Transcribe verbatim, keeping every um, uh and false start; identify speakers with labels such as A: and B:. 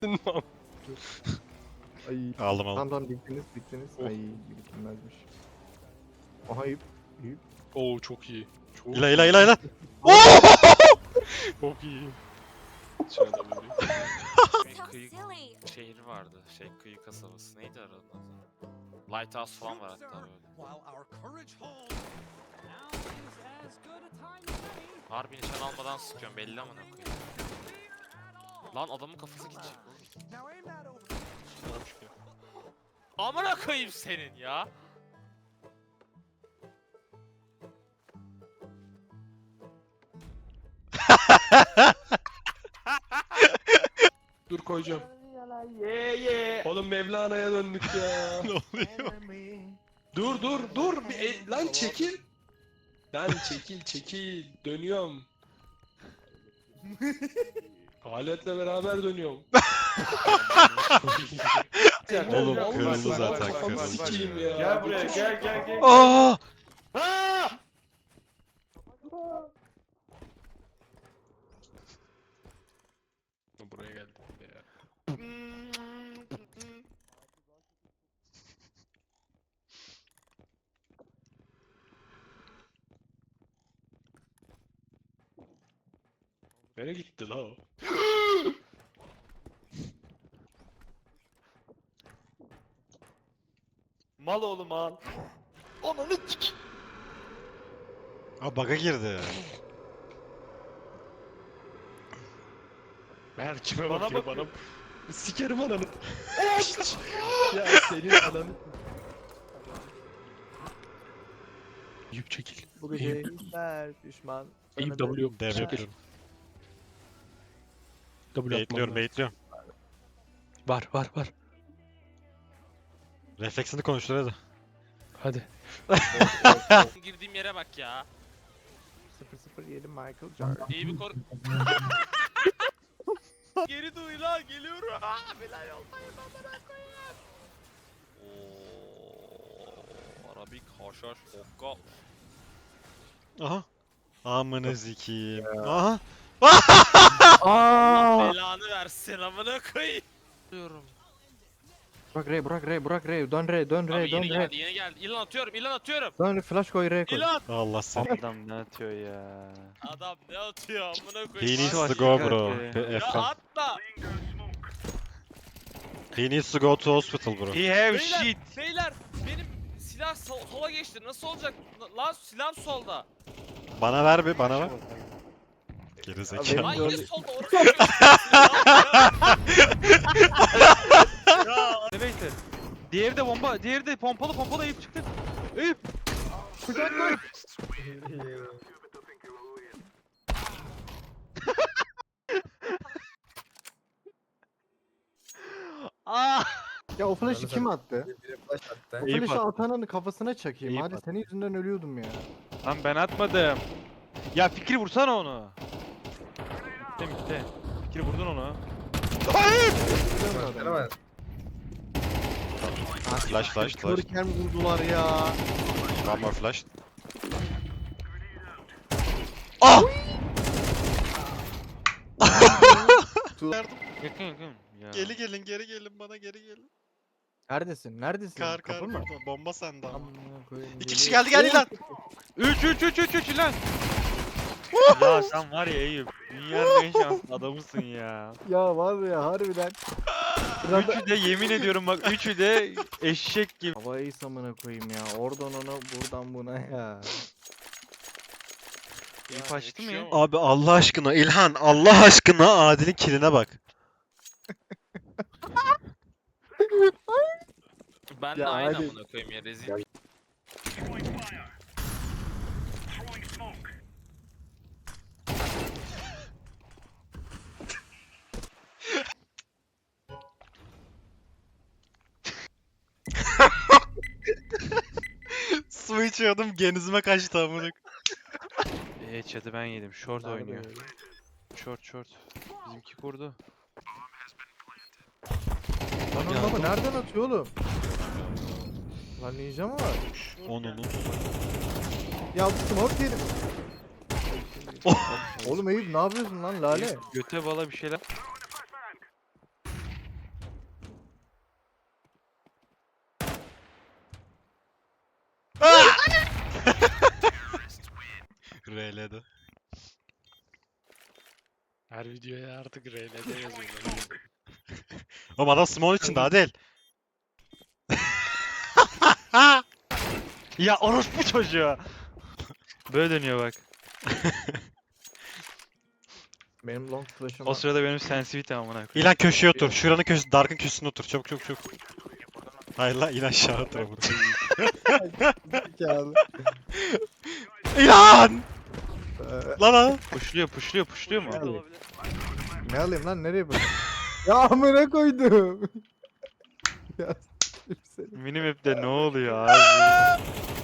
A: Ay.
B: Aldım aldım.
A: Tamam tamam bittiniz bittiniz.
C: Oh.
A: Ay bitilmezmiş. Aha ip. İp.
C: Oo çok iyi. Çok
B: İla ila ila ila.
C: çok iyi. Şöyle de böyle.
D: Kıyı şehri vardı. Şey kıyı kasabası. Neydi aranın adı? Lighthouse falan var hatta böyle. Harbi nişan almadan sıkıyorum belli ama ne koyayım. Lan adamın kafası gidecek oğlum.
C: Olmuş ya.
D: Amına koyayım senin ya.
C: Dur koyacağım. Oğlum Mevlana'ya döndük ya.
B: Ne oluyor?
C: Dur dur dur. Bir, e, lan çekil. Lan çekil çekil. Dönüyorum. Aletle beraber dönüyorum.
B: Oğlum
C: Ya,
B: kırıldı
C: bak, bak,
B: zaten,
C: bak, kafamı
B: kırıldı.
C: sikeyim ya.
E: Gel buraya gel gel gel.
B: Aa!
C: Buraya geldim ya. Nereye gitti la o?
E: Mal oğlum mal. Ananı sik.
B: Aa bug'a girdi.
C: Ver kime
E: Bana
C: bakıyor
E: bakıyor.
C: bana? Sikerim ananı. Ya senin ananı. Eyüp çekil.
A: Bu gece işler pişman.
C: Eyüp
A: Sana
C: W yok.
B: Dev
C: Çekil.
B: yapıyorum.
C: W atmam
B: Baitliyorum
C: lazım.
B: baitliyorum.
C: Var var var.
B: Refleksini konuştur hadi.
C: Hadi.
D: Girdiğim yere bak ya.
A: sıfır sıfır yedi Michael Jordan.
D: İyi bir kor... Geri duy lan geliyorum. Aa, bela yoldayım amına koyayım. Oo, Arabik haşhaş okka.
B: Aha. Amına zikiyim. Aha.
A: Aa!
D: Belanı versin amına koyayım. Diyorum.
A: Burak Ray, Burak Ray, Burak Ray. Dön Ray, dön
D: Abi
A: Ray, dön
D: yeni
A: Ray.
D: geldi yeni geldi. İlan atıyorum ilan atıyorum.
A: Dön flash koy Ray koy.
D: İlan.
B: Allah seni.
E: Adam ne atıyor ya?
D: Adam ne atıyor amına
B: He
D: koyayım.
B: needs
E: Şu
B: to go
E: aşağı
B: bro.
E: kalktı.
B: F-
D: Ya
B: F-
D: atma.
B: He needs to go to hospital bro.
E: He have
D: Beyler,
E: shit.
D: beyler benim silah sol- sola geçti. Nasıl olacak? Lan silahım solda.
B: Bana ver bir bana ver. Geri
A: Abi,
B: zekalı.
D: Lan
A: Gördüm.
D: yine solda orası yapıyorsun. Ya
E: Neyse. Diğeri de bomba, diğeri de pompalı pompalı Eyüp çıktı. Eyüp.
A: Kucak koy.
E: Aa.
A: Ya o flash'ı kim attı? O
E: Eyüp
A: flash'ı
E: attı.
A: atanın kafasına çakayım.
E: Eyüp
A: Hadi
E: attı.
A: senin yüzünden ölüyordum ya.
E: Lan ben atmadım. Ya Fikri vursana onu. Bitti bitti. Fikri vurdun onu.
A: Ölüyorum adam.
B: Flash flash flash.
A: Körken vurdular ya.
B: One more flash.
E: Yakın yakın. Ya.
B: Geri gelin geri gelin bana geri gelin.
A: Neredesin? Neredesin?
B: Kar kar
A: Kapı mı?
B: burada. Bomba sende ama.
A: Amına koyayım,
B: İki kişi
A: geliyor.
B: geldi geldi lan.
E: üç üç üç üç üç lan. Ya sen var ya Eyüp. Dünyanın en şanslı adamısın ya.
A: Ya var ya harbiden. Burada...
E: Üçü de yemin ediyorum bak üçü de eşek gibi.
A: Havayı samına koyayım ya. Oradan ona buradan buna ya.
E: Eyüp açtı mı ya?
B: Abi Allah aşkına İlhan Allah aşkına Adil'in kiline bak.
D: Ben de
A: Ya
D: aynı
A: hadi.
D: amına koyayım ya rezil.
A: Ya-
B: Su içiyordum genizime kaçtı amına.
E: Eee chat'i ben yedim. Short oynuyor. Short short. Bizimki kurdu.
A: Lan oğlum ama nereden atıyor oğlum? Lan ninja mı var?
B: Onunu.
A: Ya bu smoke yedim. Oğlum Eyüp ne yapıyorsun lan Lale?
E: Göte bala bir şeyler.
B: R L'de.
E: Her videoya artık R L'de yazıyorlar.
B: Oğlum adam small içinde Adel.
E: Ya orospu çocuğu. Böyle dönüyor bak.
A: Benim long flash'ım
E: O
A: var.
E: sırada benim sensitivity amına koyayım.
B: İlan köşeye otur. Şuranın köşesi, Dark'ın köşesine otur. Çabuk çabuk çabuk. Hayır lan İlan aşağı otur.
A: Zekalı.
B: İlan!
A: Ee,
B: Lan lan.
E: Puşluyor puşluyor puşluyor mu?
A: Ne alayım? Ne alayım lan nereye bak? Ya amına koydum. Ya s**eyim seni.
E: Minimap'te ne oluyor abi?